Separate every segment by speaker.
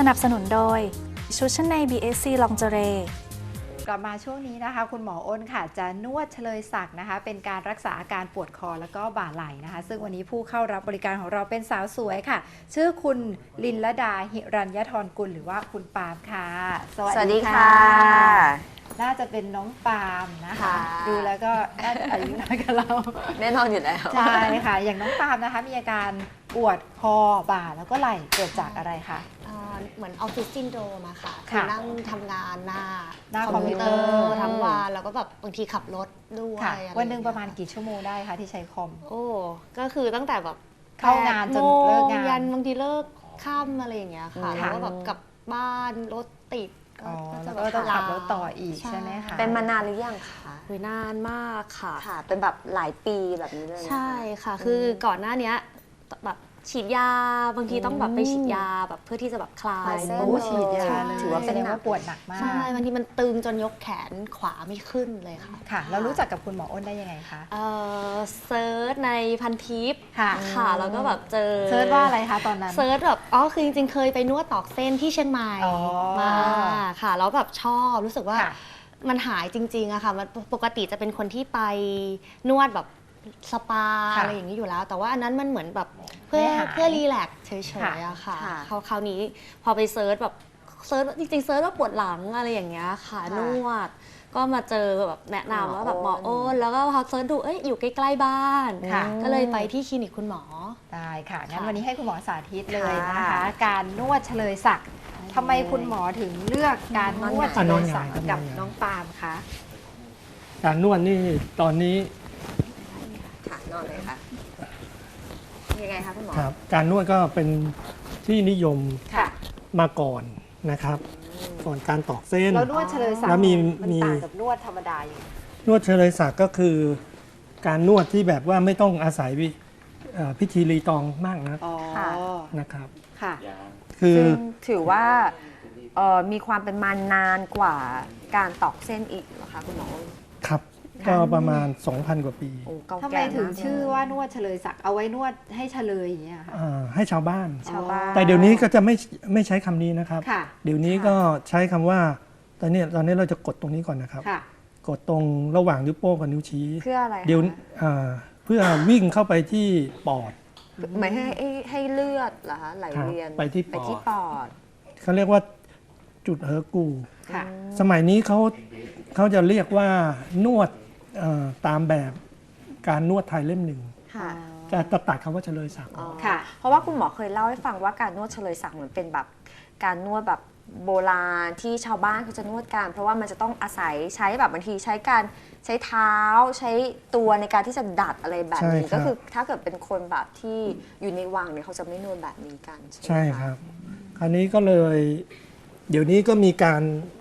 Speaker 1: นับสนุนโดยชุดชั้นใน BSC Lingerie
Speaker 2: กลับมาช่วงนี้นะคะคุณหมออ้นค่ะจะนวดเฉลยศักดิ์นะคะเป็นการรักษาอาการปวดคอแล้วก็บ่าไหล่นะคะซึ่งวันนี้ผู้เข้ารับบริการของเราเป็นสาวสวยค่ะชื่อคุณลินลดาหิรัญญธรกุลหรือว่าคุณปาล์มค่ะสวัสดีค่ะน่าจะเป็นน้องปาล์มนะคะดูแล้วก็น่าจะอายุน้อยกว่าเรา
Speaker 3: แน่นอนอยู่แล้ว
Speaker 2: ใช่ค่ะอย่างน้องปาล์มนะคะมีอาการปวดคอบ่าแล้วก็ไหล่เกิดจากอะไรคะ
Speaker 4: เหมือนออฟฟิศซินโดรมอะค่ะคือนั่งทำงานหน้า
Speaker 2: คอมพิวเตอร์
Speaker 4: ทั้งวันแล้วก็แบบบางทีขับรถด้วย
Speaker 2: วันหนึ่งประมาณกี่ชั่วโมงได้คะที่ใช้คอม
Speaker 4: โอ้ก็คือตั้งแต่แบบ
Speaker 2: เข้างานจนเลิกงาน
Speaker 4: ยันบางทีเลิกค่ำอะไรอย่างเงี้ยค่ะแล้วก็แบบกลับบ้านรถติด
Speaker 2: แล้วก็ต้องขับรถต่ออีกใช่ไหมคะ
Speaker 3: เป็นมานานหรือยังคะ
Speaker 4: นานมากค่ะ
Speaker 3: เป็นแบบหลายปีแบบนี้เลย
Speaker 4: ใช่ค่ะคือก่อนหน้านี้แบบฉีดยาบางทีต้องแบบไปฉีดยาแบบเพื่อที่จะแบบคลาย
Speaker 2: ฉีดยาถือว่าเป็นว่าปวดหนักมาก
Speaker 4: ใช่บางทีมันตึงจนยกแขนขวาไม่ขึ้นเลยค่ะ
Speaker 2: ค่ะเรารู้จักกับคุณหมออ้นได้ยังไงคะ
Speaker 4: เซิร์ชในพันทิปค่ะแล้วก็แบบเจอ
Speaker 2: เซิร์ชว่าอะไรคะตอนนั้น
Speaker 4: เซิร์ชแบบคือจริงๆเคยไปนวดตอกเส้นที่เชียงใหม่มาค่ะแล้วแบบชอบรู้สึกว่ามันหายจริงๆอะค่ะมันปกติจะเป็นคนที่ไปนวดแบบสปาอะไรอย่างนี้อยู่แล้วแต่ว่าอันนั้นมันเหมือนแบบเพื่อรีแลกซ์เฉยๆอะค่ะคราวนี้พอไปเซิร์ชแบบจริงๆเซิร์ชว่าปวดหลังอะไรอย่างเงี้ยค่ะนวดก็มาเจอแบบแนะนำว่าแบบหมอโอนแล้วก็พอเซิร์ชดูอยู่ใกล้ๆบ้านก็เลยไปที่คลินิกคุณหมอ
Speaker 2: ได้ค่ะงั้นวันนี้ให้คุณหมอสาธิตเลยนะคะการนวดเฉลยศักดิ์ทำไมคุณหมอถึงเลือกการนวดเฉลยศักดิ์กับน้องปาล์มคะ
Speaker 5: การนวดนี่ตอนนี้
Speaker 3: นอนเลยค่ะยังไงคะคุณหมอ
Speaker 5: ครับการนวดก็เป็นที่นิยมมาก่อนนะครับก่อนการตอกเส้น
Speaker 2: แล้วนวดเฉลยศักดิ์มันต่างกับนวดธรรมดาอย่าง
Speaker 5: นวดเฉลยศักดิ์ก็คือการนวดที่แบบว่าไม่ต้องอาศัยพิธีรีตองมากนะครับ
Speaker 2: ค่ะ
Speaker 3: คือถือว่ามีความเป็นมานานกว่าการตอกเส้นอีกเหรอคะคุณหมอ
Speaker 5: ครับก็ประมาณ 2,000 กว่าปี
Speaker 2: ทำไมถึงชื่อว่านวดเฉลยศักดิ์เอาไว้นวดให้เฉลยอย่างเงี้ยค่ะ
Speaker 5: ให้ชาวบ้านแต่เดี๋ยวนี้ก็จะไม่ใช้คำนี้นะครับเดี๋ยวนี้ก็ใช้คำว่าตอนนี้เราจะกดตรงนี้ก่อนนะครับกดตรงระหว่างนิ้วโป้งกับนิ้วชี้
Speaker 3: เพื่ออะไร
Speaker 5: เดี๋ยวเพื่อวิ่งเข้าไปที่ปอด
Speaker 3: หมายให้เลือดเหรอคะไหลเวียน
Speaker 5: ไปที่ปอดเขาเรียกว่าจุดเฮอร์กูสมัยนี้เขาจะเรียกว่านวดตามแบบการนวดไทยเล่มหนึ่งจะตัดคำว่าเฉลยศักดิ์
Speaker 3: ค่ะเพราะว่าคุณหมอเคยเล่าให้ฟังว่าการนวดเฉลยศักดิ์เหมือนเป็นแบบการนวดแบบโบราณที่ชาวบ้านเขาจะนวดกันเพราะว่ามันจะต้องอาศัยใช้แบบบางทีใช้เท้าใช้ตัวในการที่จะดัดอะไรแบบนี้ก็คือถ้าเกิดเป็นคนแบบที่อยู่ในวังเนี่ยเขาจะไม่นวดแบบนี้กัน
Speaker 5: ใช่ครับคราวนี้ก็เลยเดี๋ยวนี้ก็มีการ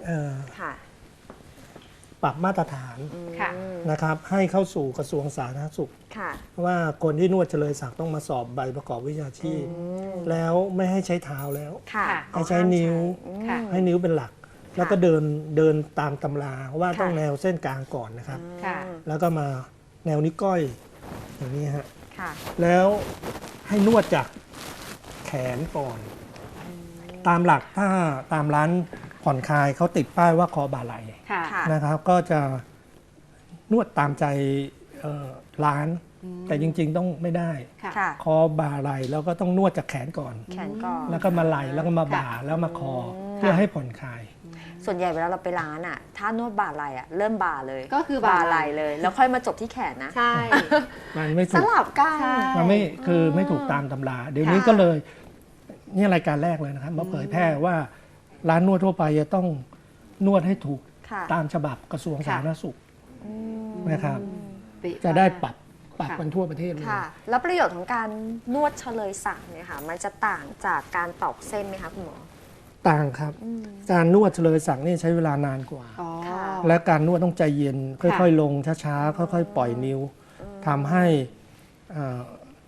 Speaker 5: ปรับมาตรฐานนะครับให้เข้าสู่กระทรวงสาธารณสุขว่าคนที่นวดเฉลยศักดิ์ต้องมาสอบใบประกอบวิชาชีพแล้วไม่ให้ใช้เท้าแล้วให้ใช้นิ้วให้นิ้วเป็นหลักแล้วก็เดินตามตำราว่าต้องแนวเส้นกลางก่อนนะครับแล้วก็มาแนวนิ้วก้อยอย่างนี้ฮะแล้วให้นวดจากแขนก่อนตามหลักถ้าตามร้านผ่อนคลายเขาติดป้ายว่าคอบ่าไหล่นะครับก็จะนวดตามใจร้านแต่จริงๆต้องไม่ได้คอบ่าไหล่แล้วก็ต้องนวดจากแขนก่อนแล้วก็มาไหล่แล้วก็มาบ่าแล้วมาคอเพื่อให้ผ่อนคลาย
Speaker 3: ส่วนใหญ่เวลาเราไปร้านอ่ะถ้านวดบ่าไหล่อ่ะเริ่มบ่าเลยก็คือบ่าไหล่เลยแล้วค่อยมาจบที่แขนนะ
Speaker 2: ใช่
Speaker 5: มันไม่ถูก
Speaker 3: สลับกัน
Speaker 5: มันไม่คือไม่ถูกตามตำราเดี๋ยวนี้ก็เลยนี่รายการแรกเลยนะครับมาเผยแพร่ว่าร้านนวดทั่วไปจะต้องนวดให้ถูกตามฉบับกระทรวงสาธารณสุขนะครับจะได้ปรับกันทั่วประเทศเลย
Speaker 3: แล้วประโยชน์ของการนวดเฉลยศักดิ์เนี่ยค่ะมันจะต่างจากการตอกเส้นไหมคะคุณหมอ
Speaker 5: ต่างครับการนวดเฉลยศักดิ์นี่ใช้เวลานานกว่าและการนวดต้องใจเย็นค่อยๆลงช้าๆค่อยๆปล่อยนิ้วทำให้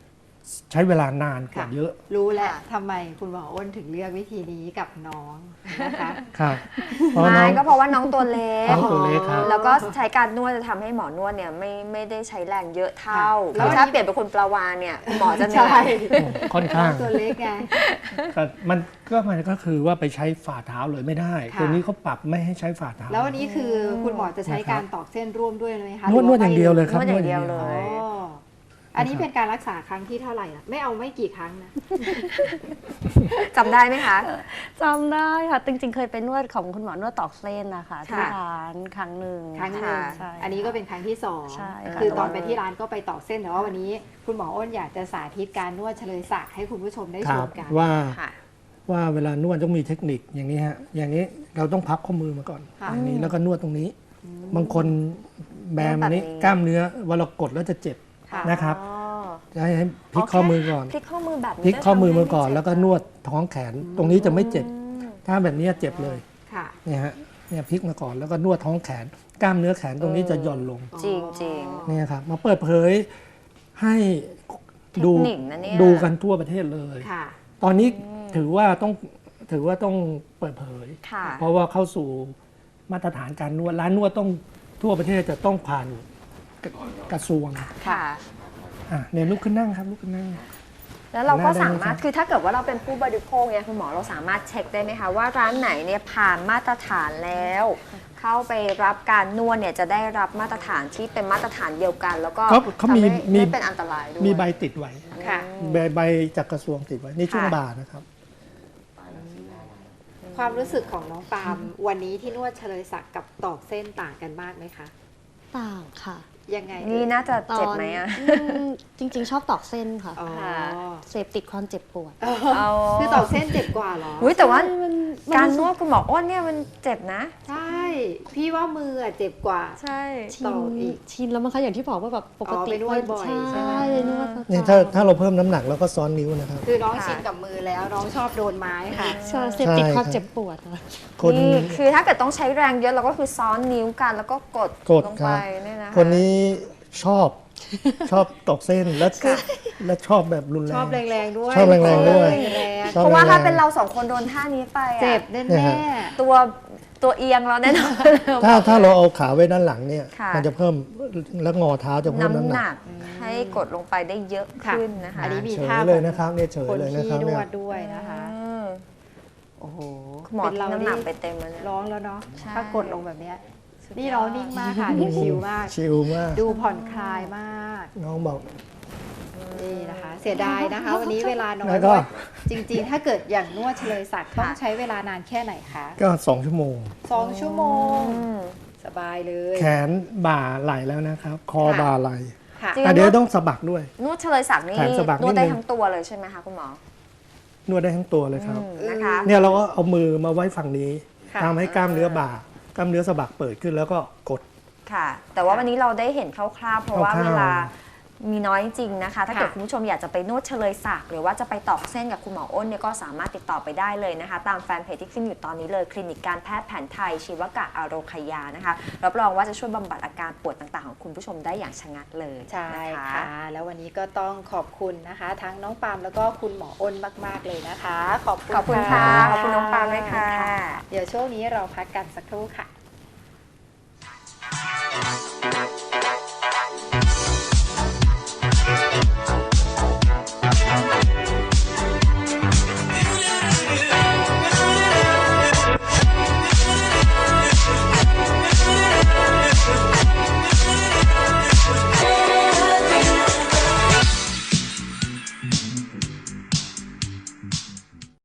Speaker 5: ใช้เวลานานกว่าเยอะ
Speaker 2: รู้แล้วทำไมคุณหมออ้นถึงเลือกวิธีนี้กับน้องนะคะ
Speaker 5: ครับเพราะน้
Speaker 3: ไม่
Speaker 5: อง
Speaker 3: ก็เพราะว่าน้องตัวเล็ก
Speaker 5: น้องตัวเล็กครับ
Speaker 3: แล้วก็ใช้การนวดจะทำให้หมอนวดเนี่ยไม่ได้ใช้แรงเยอะเท่า
Speaker 2: ค่ะ
Speaker 3: แล้วถ้าเปลี่ยนเป็นคนปลาวานเนี่ยหมอจะเหนื่อย
Speaker 5: ค่อนข้าง
Speaker 2: ตัวเล็กไง
Speaker 5: แต่มันก็คือว่าไปใช้ฝ่าเท้าเลยไม่ได้
Speaker 2: ค่ะ
Speaker 5: ตัวนี้เขาปรับไม่ให้ใช้ฝ่าเท้า
Speaker 2: แล้ววันนี้คือคุณหมอจะใช้การตอกเส้นร่วมด้วยไหมคะ
Speaker 5: นวดอย่างเดียวเลยครับ
Speaker 3: นวดอย่างเดียวเลย
Speaker 2: อ๋ออันนี้เป็นการรักษาครั้งที่เท่าไหร่ล่ะไม่เอาไม่กี่ครั้งนะ
Speaker 3: จำได้ไหมคะ
Speaker 4: จำได้ค่ะจริงๆเคยไปนวดของคุณหมอนวดตอกเส้นนะคะที่
Speaker 3: ค่ะ
Speaker 4: ร้านครั้งหนึ่ง
Speaker 2: ครั้งหนึ่ง
Speaker 4: ใช่
Speaker 2: อันนี้ก็เป็นครั้งที่สอง
Speaker 4: ใช่ค่ะ
Speaker 2: คือตอนไปที่ร้านก็ไปตอกเส้นแต่ว่าวันนี้คุณหมออ้นอยากจะสาธิตการนวดเฉลยศักดิ์ให้คุณผู้ชมได้
Speaker 5: ค
Speaker 2: ช
Speaker 5: รั
Speaker 2: ม
Speaker 5: บ
Speaker 2: กัน
Speaker 5: ว่าเวลานวดต้องมีเทคนิคอย่างนี้ฮะอย่างนี้เราต้องพับข้อมือมาก่อน
Speaker 2: ค่ะ
Speaker 5: อย่างนี้แล้วก็นวดตรงนี้ บางคนแบมอันนี้
Speaker 3: นวดแบบนี้
Speaker 5: กล้ามเนื้อเวลากดแล้วจะเจ็บ
Speaker 2: ค่ะ
Speaker 5: นะครับ
Speaker 3: อ๋อ
Speaker 5: จะให้พลิกข้อมือก่อน
Speaker 3: พลิกข้อมือแบบนี้
Speaker 5: พลิกข้อมือมาก่อน
Speaker 3: จะทำให้
Speaker 5: แล้วก็นวดท้องแขน ตรงนี้จะไม่เจ็บ ถ้าแบบนี้เจ็บเลย
Speaker 2: ค่ะ
Speaker 5: เนี่ยฮะเนี่ยพลิกมาก่อนแล้วก็นวดท้องแขน กล้ามเนื้อแขนตรงนี้จะหย่อนลง
Speaker 3: จริงจริง
Speaker 5: เนี่ยครับมาเปิดเผยให้ดู
Speaker 3: เทคนิคนะเนี่ย
Speaker 5: ดูกันทั่วประเทศเลย
Speaker 2: ค่ะ
Speaker 5: ตอนนี้ถือว่าต้องเปิดเผย
Speaker 3: ค่ะ
Speaker 5: เพราะว่าเข้าสู่มาตรฐานการนวดร้านนวดต้องทั่วประเทศจะต้องผ่านกระทรวง
Speaker 3: ค่ะ
Speaker 5: เนี่ยลุกขึ้นนั่งครับลุกขึ้นนั่ง
Speaker 3: แล้วเราก็
Speaker 5: น่าได้
Speaker 3: สามารถ
Speaker 5: ไหมครับ
Speaker 3: คือถ้าเกิดว่าเราเป็นผู้บริโภคเนี่ยคุณหมอเราสามารถเช็คได้ไหมคะว่าร้านไหนเนี่ยผ่านมาตรฐานแล้ว เข้าไปรับการนวดเนี่ยจะได้รับมาตรฐานที่เป็นมาตรฐานเดียวกัน แล้วก็
Speaker 5: เขามี
Speaker 3: ทำให้ไม่เป็นอันตรายด้วย
Speaker 5: มีใบติดไว้
Speaker 2: ค่ะ
Speaker 5: ใบจากกระทรวงติดไว้ในช่วง
Speaker 3: ค่ะ
Speaker 5: บ่ายนะครับ
Speaker 2: ความรู้สึกของน้องปาล์มวันนี้ที่นวดเฉลยศักดิ์กับตอกเส้นต่างกันมากไหมคะ
Speaker 4: ต่างค่ะ
Speaker 2: ยังไง
Speaker 3: นี่น่าจะเจ็บไหมอะ
Speaker 4: จริงๆ ชอบตอกเส้นค่ะ
Speaker 2: อ๋อ
Speaker 3: ค่ะ
Speaker 4: เสพติดความเจ็บปวด
Speaker 2: คือตอกเส้นเจ็บกว่าเหรอ
Speaker 3: อุ๊ยแต่ว่า
Speaker 4: มัน
Speaker 3: การนวดคุณหมออ้นเนี่ยมันเจ็บนะ
Speaker 2: ใช่ พี่ว่ามืออะเจ็บกว่า
Speaker 3: ใช่
Speaker 4: ชิ
Speaker 2: ต่
Speaker 4: น
Speaker 2: ออีก
Speaker 4: ชินแล้วมันคะอย่างที่บอกว่าแบบปกติ
Speaker 2: ไปนวดบ่อยใช่ไหม
Speaker 4: ไปนวดประจำ
Speaker 5: เนี่ยถ้าเราเพิ่มน้ำหนักแล้วก็ซ้อนนิ้วนะครับ
Speaker 2: คือน้องชินกับมือแล้วน้องชอบโดนไม้ค่ะ
Speaker 4: ใช่เสพติด
Speaker 5: ใช่
Speaker 4: ความ
Speaker 5: ครับ
Speaker 4: เจ็บปวดค่ะ
Speaker 5: คน
Speaker 3: นี่คือถ้าเกิดต้องใช้แรงเยอะเราก็คือซ้อนนิ้วกันแล้วก็กด ลง
Speaker 5: ค
Speaker 3: ไป
Speaker 5: รับ
Speaker 3: เนี่ยนะคะ
Speaker 5: คนนี้ชอบตอกเส้นและชอบแบบรุนแรง
Speaker 2: ชอบแรงๆด้วย
Speaker 5: ชอบแรงๆด้วย
Speaker 2: แรง
Speaker 5: ชอบ
Speaker 3: เพราะว่าถ้า
Speaker 5: แรงๆ
Speaker 3: เป็นเราสองคนโดนท่านี้ไปอะ
Speaker 2: ๆเจ็บแน่
Speaker 5: เนี่ยฮะ
Speaker 3: ตัวเอียงเราแน่นอน
Speaker 5: ถ้าเราเอาขาไว้ด้านหลังเนี่ย
Speaker 3: ค่ะ
Speaker 5: มันจะเพิ่มแล้วงอเท้าจะเพิ่มน้ำ
Speaker 3: น้ำ
Speaker 5: ห
Speaker 3: ห
Speaker 5: นั
Speaker 3: นั
Speaker 5: ก
Speaker 3: กให้กดลงไปได้เยอะขึ้นนะคะ
Speaker 2: อันนี้มี
Speaker 5: เฉย
Speaker 2: ท่า
Speaker 5: เลยนะครับเนี่ยเฉย
Speaker 2: คน
Speaker 5: เลยนะ
Speaker 2: ที่
Speaker 5: ครับ
Speaker 2: น
Speaker 5: เนี่
Speaker 2: วย ดด้วยนะคะ
Speaker 3: อืม
Speaker 2: โอ้โห
Speaker 3: คุณหมอ
Speaker 2: เป็นเรา
Speaker 3: น้ำหนัก
Speaker 2: นี่
Speaker 3: ไปเต็มแล้วเนี่ย
Speaker 2: ร้องแล้วเนาะ
Speaker 3: ใช่
Speaker 2: ถ้ากดลงแบบเนี้ยนี่น้องนิ่งมากค่ะดูชิลมาก
Speaker 5: ชิลมาก
Speaker 2: ดูผ่อนคลายมาก
Speaker 5: น้องบอก
Speaker 2: นี่นะคะ เสียดายนะคะ วันนี้เวลาน้อ
Speaker 5: แล้
Speaker 2: ยว
Speaker 5: ก็
Speaker 2: จริงๆ ถ้าเกิดอย่างนวดเฉลยศักดิ์ต้องใช้เวลานานแค่ไหนคะ
Speaker 5: ก็2 ชั่วโมง
Speaker 2: 2 ชั่วโมง
Speaker 3: อืม
Speaker 2: สบายเลย
Speaker 5: แขนบ่าไหล่แล้วนะครับ คอ
Speaker 2: ค่ะ
Speaker 5: บ่าไหล่
Speaker 2: ค่ะ
Speaker 3: จริง
Speaker 5: อ่ะเดี๋ยวต้องสะบักด้วย
Speaker 3: นวดเฉลยศักดิ์นี่
Speaker 5: แขนสะบัก
Speaker 3: นวดได้
Speaker 5: นิดนึง
Speaker 3: ทั้งตัวเลยใช่ไหมคะคุณหมอน
Speaker 5: วดได้ทั้งตัวเลยครับ
Speaker 3: นะคะ
Speaker 5: เนี่ยเราก็เอามือมาไว้ฝั่งนี้
Speaker 2: ค่ะ
Speaker 5: ทำให้กล้ามเนื้อบ่ากล้ามเนื้อสะบักเปิดขึ้นแล้วก็กด
Speaker 3: ค่ะ แต่ว่าวันนี้เราได้เห็นคร่าวๆเพราะว่า
Speaker 5: คร่าวๆ
Speaker 3: เวลามีน้อยจริงนะคะ ถ้าเกิด
Speaker 2: ค่ะ
Speaker 3: คุณผู้ชมอยากจะไปนวดเฉลยศักดิ์หรือว่าจะไปตอกเส้นกับคุณหมออ้นเนี่ยก็สามารถติดต่อไปได้เลยนะคะ ตามแฟนเพจที่ขึ้นอยู่ตอนนี้เลยคลินิกการแพทย์แผนไทยชีวกะอโรคยานะคะรับรองว่าจะช่วยบำบัดอาการปวดต่างๆของคุณผู้ชมได้อย่างชะงัดเลย
Speaker 2: ใช่
Speaker 3: นะคะ
Speaker 2: ค่ะ แล้ววันนี้ก็ต้องขอบคุณนะคะ ทั้งน้องปาล์มแล้วก็คุณหมออ้นมากๆเลยนะคะ ขอบคุณ
Speaker 3: ขอบคุณค่ะ ขอบคุณน้องปาล์มด้วยค่ะ
Speaker 2: เดี๋ยวช่วงนี้เราพักกันสักครู่ค่ะ